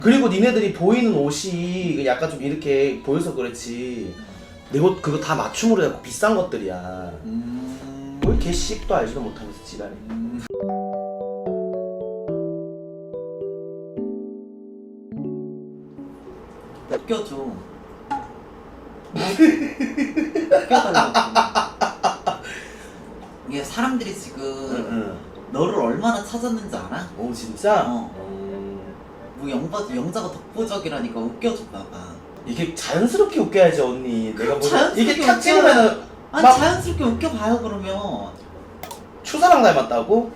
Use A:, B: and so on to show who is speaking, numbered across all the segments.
A: 그리고 니네들이 보이는 옷이 약간 좀 이렇게 보여서 그렇지 내 옷 그거 다 맞춤으로 해갖고 비싼 것들이야. 뭘 개씩도 알지도 못하면서 지랄해.
B: 웃겨줘. 웃겨달라고. 이게 사람들이 지금
A: 응.
B: 너를 얼마나 찾았는지 알아?
A: 오 진짜?
B: 뭐 영자가 독보적이라니까 웃겨줬나봐.
A: 이게 자연스럽게 웃겨야지 언니. 내가 뭐
B: 자연스럽게
A: 이게 탁
B: 웃겨야-
A: 찍으면은
B: 아니
A: 막
B: 자연스럽게 웃겨봐요 그러면.
A: 추사랑 닮았다고?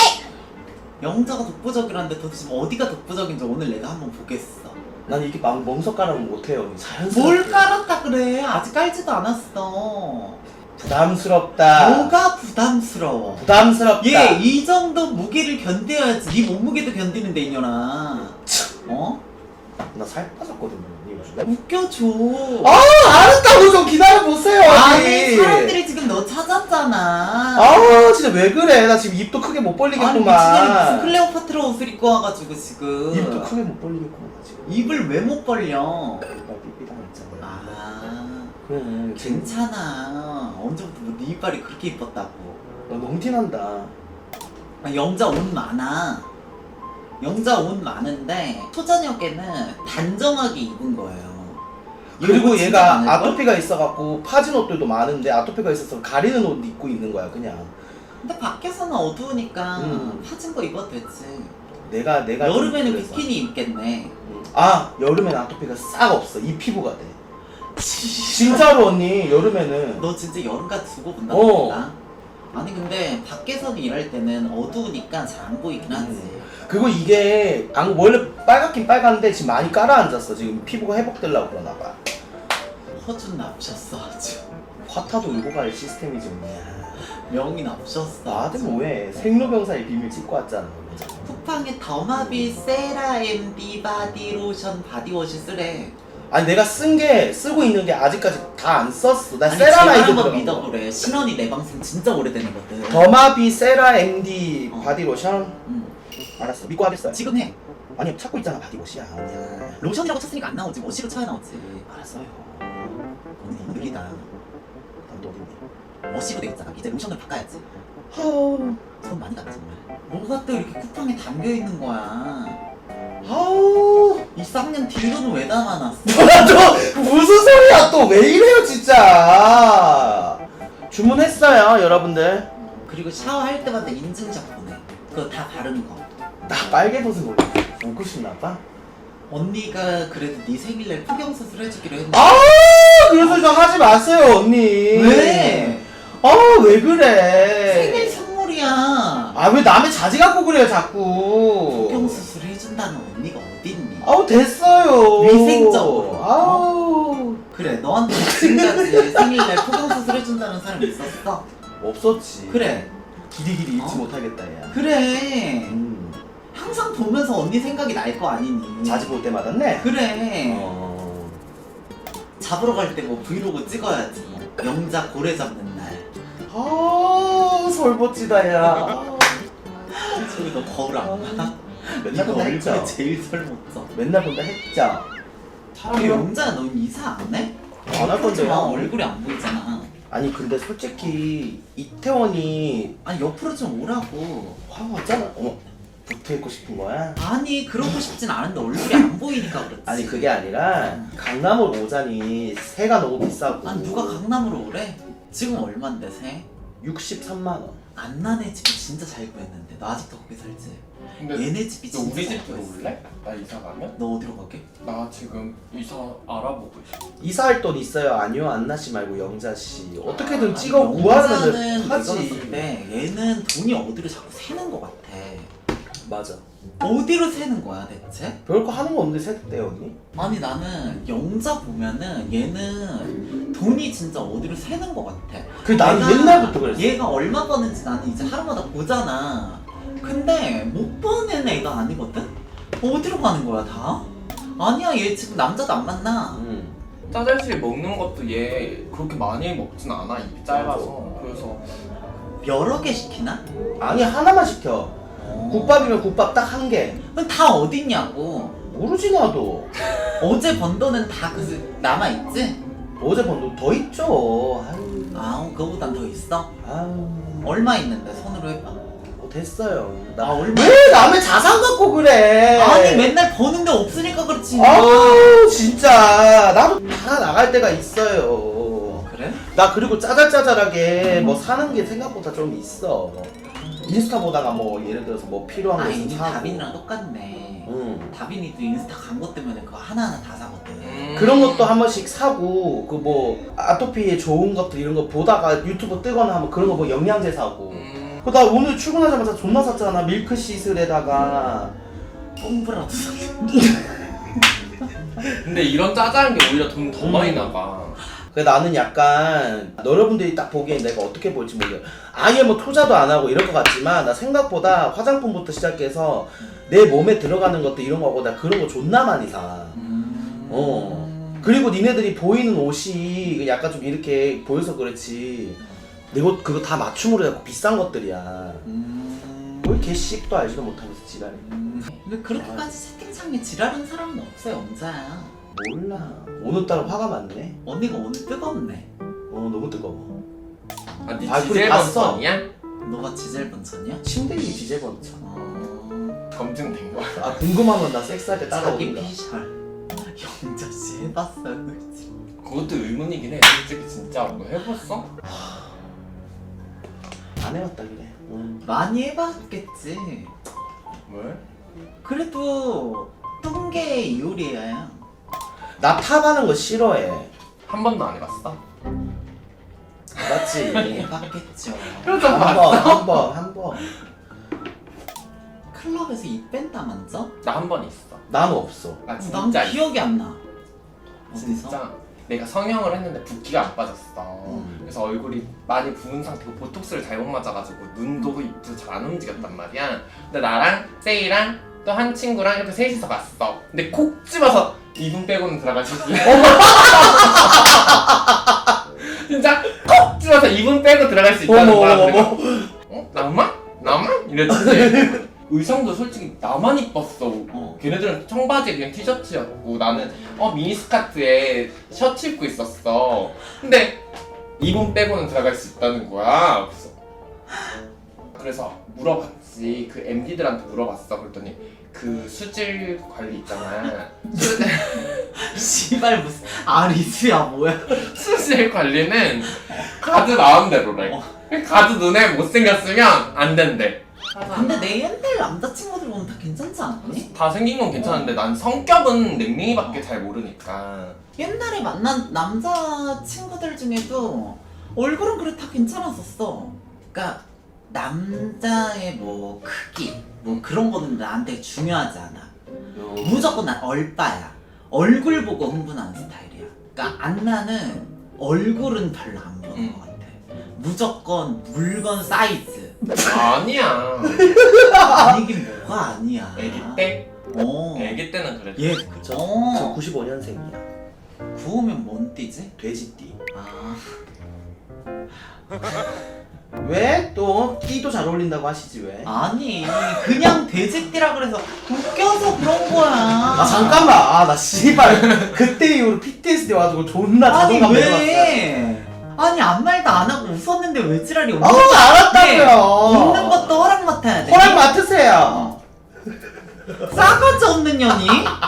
B: 영자가 독보적이라는데 도대체 어디가 독보적인지 오늘 내가 한번 보겠어.
A: 난 이게 막 멍석 깔으면 못해요 언니. 자연스럽게.
B: 뭘 깔았다 그래. 아직 깔지도 않았어.
A: 부담스럽다.
B: 뭐가 부담스러워.
A: 부담스럽다.
B: 얘 이 정도 무게를 견뎌야지. 네 몸무게도 견디는데 이년아. 어?
A: 나 살 빠졌거든요 언니 요즘에.
B: 웃겨줘.
A: 알았다고 좀 기다려보세요
B: 아니
A: 언니.
B: 사람들이 지금 너 찾았잖아.
A: 진짜 왜 그래. 나 지금 입도 크게 못
B: 아니
A: 벌리겠구만.
B: 미친년이 무슨 클레오파트라 옷을 입고 와가지고 지금
A: 입도 크게 못 벌리겠구만 나 지금.
B: 입을 왜 못 벌려?
A: 나 삐삐당 했잖아.
B: 그래
A: 그래.
B: 괜찮아. 언제부터 뭐 네 이빨이 그렇게 이뻤다고.
A: 너 너무 티난다.
B: 영자 옷 많아. 영자 옷 많은데 초저녁에는 단정하게 입은 거예요.
A: 그리고
B: 이거 진짜
A: 얘가
B: 많을걸?
A: 아토피가 있어갖고 파진 옷들도 많은데 아토피가 있어서 가리는 옷 입고 있는 거야 그냥.
B: 근데 밖에서는 어두우니까
A: 음.
B: 파진 거 입어도 되지.
A: 내가
B: 여름에는
A: 좀 그래서.
B: 비키니 입겠네.
A: 여름엔 아토피가 싹 없어. 이 피부가 돼. 진짜로 언니 여름에는.
B: 너 진짜 여름까지 두고 본다.
A: 어.
B: 아니 근데 밖에서는 일할 때는 어두우니까 잘 안 보이긴 하지.
A: 그리고 이게 원래 빨갛긴 빨간데 지금 많이 깔아앉았어. 지금 피부가 회복되려고 그러나 봐.
B: 허준 납셨어 아주.
A: 화타도 울고 갈 시스템이지 언니야.
B: 명이 납셨어.
A: 나한테 뭐해. 생로병사의 비밀 찍고 왔잖아.
B: 쿠팡에 더마비 세라엠디 바디로션 바디워시 쓰래.
A: 아니 내가 쓰고 있는 게 아직까지 다 안 썼어. 나
B: 아니
A: 세라마이드
B: 제발 한번
A: 들어간 거.
B: 믿어보래. 신원이 내 방송 진짜 오래된 애거든.
A: 더마비 세라 MD 바디로션.
B: 응.
A: 알았어. 믿고 하겠어요.
B: 지금 해.
A: 아니 찾고 있잖아 바디워시야 언니야.
B: 로션이라고 쳤으니까 안 나오지. 워시로 쳐야 나오지.
A: 알았어요.
B: 언니 너무 느리다.
A: 난또 어딨니?
B: 워시로 되겠잖아. 이제 로션을 바꿔야지.
A: 아우.
B: 손 많이 갔다 정말. 뭐가 또 이렇게 쿠팡에 담겨 있는 거야.
A: 아우.
B: 이 쌍년 딜로는 왜 담아놨어?
A: 뭐야 또 무슨 소리야 또 왜 이래요 진짜. 주문했어요 여러분들.
B: 그리고 샤워할 때마다 인증샷 보내. 그거 다 바른 거.
A: 나 빨개벗은 거 보고 싶나 봐.
B: 언니가 그래도 네 생일날 포경 수술 해주기로 했는데.
A: 그런 소리 좀 하지 마세요 언니.
B: 왜?
A: 왜 그래.
B: 생일 선물이야.
A: 왜 남의 자지 갖고 그래요 자꾸.
B: 포경 수술 해준다는 언니가 어딨니?
A: 됐어요.
B: 위생적으로. 그래 너한테 지금까지 생일날 포경 수술 해준다는 사람 있었어?
A: 없었지.
B: 그래.
A: 길이길이 잊지 못하겠다 야.
B: 그래. 항상 보면서 언니 생각이 날 거 아니니.
A: 자주 볼 때마다 네.
B: 그래. 잡으러 갈 때 뭐 브이로그 찍어야지. 영자 고래 잡는 날.
A: 설보지다 야.
B: 저기 너 거울 안 봐?
A: 맨날
B: 이거
A: 본다
B: 얼굴에
A: 했죠.
B: 제일 설못져.
A: 맨날 본다 했죠.
B: 근데 영자야 넌 이사 안 해?
A: 안 할 건데요.
B: 얼굴이 안 보이잖아.
A: 아니 근데 솔직히 이태원이
B: 아니 옆으로 좀 오라고.
A: 화가 왔잖아. 붙어 있고 싶은 거야?
B: 아니 그러고 싶진 않은데 얼굴이 안 보이니까 그렇지.
A: 아니 그게 아니라 강남으로 오자니 새가 너무 비싸고.
B: 아니 누가 강남으로 오래? 지금 얼만데 세?
A: 63만 원.
B: 안나네 집이 진짜 잘 구했는데 너 아직도 거기 살지?
C: 근데
B: 얘네 집이
C: 너
B: 진짜
C: 우리
B: 잘
C: 집
B: 구했어.
C: 들어올래? 나 이사 가면?
B: 너 어디로 가게?
C: 나 지금 이사 알아보고 있어.
A: 이사할 돈 있어요? 아니요 안나 씨 말고 영자 씨. 어떻게든
B: 아니,
A: 찍어
B: 영자는
A: 구하면
B: 내가 봤을
A: 하지.
B: 때 얘는 돈이 어디로 자꾸 새는 것 같아.
A: 맞아.
B: 어디로 새는 거야 대체?
A: 별거 하는 거 없는데 샜대 언니?
B: 아니 나는 영자 보면은 얘는 돈이 진짜 어디로 새는 것 같아.
A: 그 나는
B: 얘가-
A: 옛날부터 그랬어.
B: 얘가 얼마 버는지 나는 이제 하루마다 보잖아. 근데 못 버는 애가 아니거든? 어디로 가는 거야 다? 아니야 얘 지금 남자도 안 만나.
C: 짜잘시 먹는 것도 얘 그렇게 많이 먹진 않아. 입이 짧아서. 그래서
B: 여러 개 시키나?
A: 아니 하나만 시켜. 국밥이면 국밥 딱 한 개.
B: 그럼 다 어딨냐고.
A: 모르지 나도.
B: 어제 번 돈은 다 남아있지?
A: 어제 번 돈 더 있죠. 아유.
B: 아우 그거보단 더 있어?
A: 아유.
B: 얼마 있는데 손으로 해봐.
A: 됐어요.
B: 아 얼마?
A: 왜 남의 자산 갖고 그래?
B: 아니 맨날 버는데 없으니까 그렇지.
A: 아우 진짜 나도 다 나갈 때가 있어요.
B: 그래?
A: 나 그리고 짜잘짜잘하게 뭐 사는 게 생각보다 좀 있어. 인스타 보다가 뭐 예를 들어서 뭐 필요한 거
B: 아니
A: 있으면 사고.
B: 다빈이랑 똑같네.
A: 응.
B: 다빈이도 인스타 광고 때문에 그거 하나하나 다 사거든.
A: 그런 것도 한 번씩 사고 그 뭐 아토피에 좋은 것들 이런 거 보다가 유튜브 뜨거나 하면 그런 거 뭐 영양제 사고. 그 나 오늘 출근하자마자 존나 샀잖아. 밀크시슬에다가
B: 뽕브라도 사.
C: 근데 이런 짜잘한 게 오히려 돈 더 많이 나가.
A: 그래 나는 약간 여러분들이 딱 보기엔 내가 어떻게 볼지 몰라요. 아예 뭐 투자도 안 하고 이럴 것 같지만 나 생각보다 화장품부터 시작해서 내 몸에 들어가는 것도 이런 거고 나 그런 거 존나 많이 사. 그리고 니네들이 보이는 옷이 약간 좀 이렇게 보여서 그렇지 내 옷 그거 다 맞춤으로 해갖고 비싼 것들이야. 뭘 개씩도 알지도 못하면서 지랄해.
B: 왜 그렇게까지 채팅창에 지랄한 사람은 없어요, 엄자야.
A: 몰라. 오늘따라 화가 많네.
B: 언니가 오늘 뜨겁네.
A: 너무 뜨거워.
C: 아, 니
A: 발풀이
C: 디젤
A: 봤어.
C: 번선이야?
B: 너가 지젤 번천이야?
A: 침대 위 디제번차.
C: 검증된 거야.
A: 아 궁금하면 나 섹스할 때
B: 자기
A: 따라오든가.
B: 피셜. 영자씨 해봤어요, 그치?
C: 그것도 의문이긴 해. 솔직히 진짜 너 해봤어?
A: 안 해봤다 그래.
B: 많이 해봤겠지.
C: 왜?
B: 그래도 뚱개 이효리야.
A: 나 탑하는 거 싫어해.
C: 한 번도 안 해봤어?
A: 맞지?
B: 해봤겠죠.
A: 한 번.
B: 클럽에서 입 뺀다 만져?
C: 나 한 번 있어.
A: 난 없어.
C: 나
B: 난
C: 진짜 있어.
B: 기억이 안 나. 어디서?
C: 진짜 내가 성형을 했는데 붓기가 안 빠졌어. 그래서 얼굴이 많이 부은 상태고 보톡스를 잘못 맞아가지고 눈도 입도 잘 안 움직였단 말이야. 근데 나랑 세이랑 또 한 친구랑 이렇게 셋이서 갔어. 근데 콕 집어서 2분 빼고는 들어갈 수 있어. 진짜 콕 집어서 2분 빼고 들어갈 수 있다는 거야. 내가 나만? 나만? 이랬지. 의상도 솔직히 나만 이뻤어. 걔네들은 청바지에 그냥 티셔츠였고 나는 미니스커트에 셔츠 입고 있었어. 근데 2분 빼고는 들어갈 수 있다는 거야. 그래서 물어봤지. 그 MD들한테 물어봤어. 그랬더니 그 수질 관리 있잖아.
B: 씨발 무슨 아리수야 뭐야?
C: 수질 관리는 가드 마음대로래. 가드 눈에 못생겼으면 안 된대.
B: 근데 내 옛날 남자친구들 보면 다 괜찮지 않니?
C: 다 생긴 건 괜찮은데 난 성격은 냉랭이밖에 잘 모르니까.
B: 옛날에 만난 남자친구들 중에도 얼굴은 그래 다 괜찮았었어. 그러니까 남자의 뭐 크기 뭐 그런 거는 나한테 중요하지 않아. 무조건 난 얼빠야. 얼굴 보고 흥분하는 스타일이야. 그러니까 안나는 얼굴은 별로 안 보는 것 같아. 무조건 물건 사이즈.
C: 아니야.
B: 아니긴 뭐가 아니야.
C: 애기 때? 애기 때는 그랬지.
B: 얘
A: 저
B: 어.
A: 95년생이야.
B: 구우면 뭔 띠지?
A: 돼지띠.
B: 아.
A: 왜? 또 띠도 잘 어울린다고 하시지 왜?
B: 아니 그냥 돼지띠라 그래서 웃겨서 그런 거야.
A: 아 잠깐만. 나 씨발 그때 이후로 PTSD 와가지고 존나
B: 아니
A: 자존감 내려갔어.
B: 왜? 아니 아무 말도 안 하고 웃었는데 왜 지랄이 없는
A: 알았다고요.
B: 웃는 것도 허락 맡아야 돼.
A: 허락 맡으세요.
B: 싸가지 없는 년이?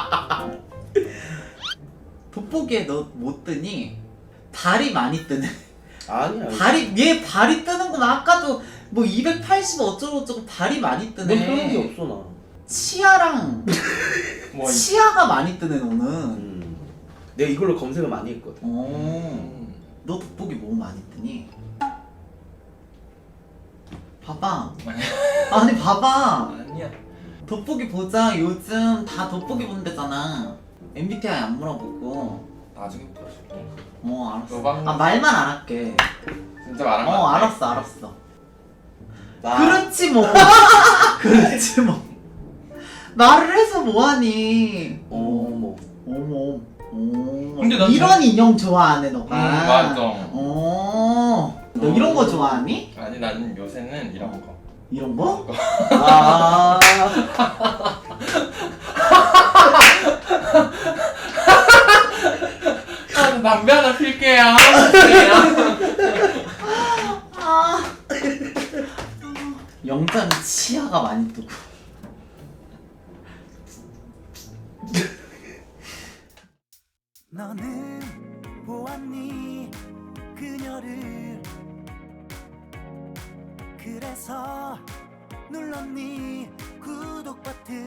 B: 돋보기에 너 못 뜨니? 발이 많이 뜨네.
A: 아니야.
B: 얘 발이 뜨는 건 아까도 뭐 280 어쩌고저쩌고 발이 많이 뜨네.
A: 넌 그런 게 없어 나.
B: 치아랑
C: 뭐
B: 치아가 많이 뜨네 너는.
A: 내가 이걸로 검색을 많이 했거든.
B: 너 돋보기 뭐 많이 뜨니? 봐봐. 아니 봐봐.
C: 아니야.
B: 돋보기 보자. 요즘 다 돋보기 본대잖아. MBTI 안 물어보고.
C: 나중에 보여줄게.
B: 알았어.
C: 너방-
B: 아 말만 안 할게.
C: 진짜 말한 거 같아.
B: 알았어.
A: 나
B: 그렇지 뭐. 그렇지 뭐. 말을 해서 뭐하니?
A: 어머.
B: 어머.
C: 근데 난
B: 이런 인형 좋아하네 너가.
C: 맞아.
B: 너 이런 거 좋아하니?
C: 아니 나는 요새는 이런 거.
B: 이런 거?
A: 아.
B: 영자는 치아가 많이 뜨고.
D: 너는 보았니 그녀를 그래서 눌렀니 구독 버튼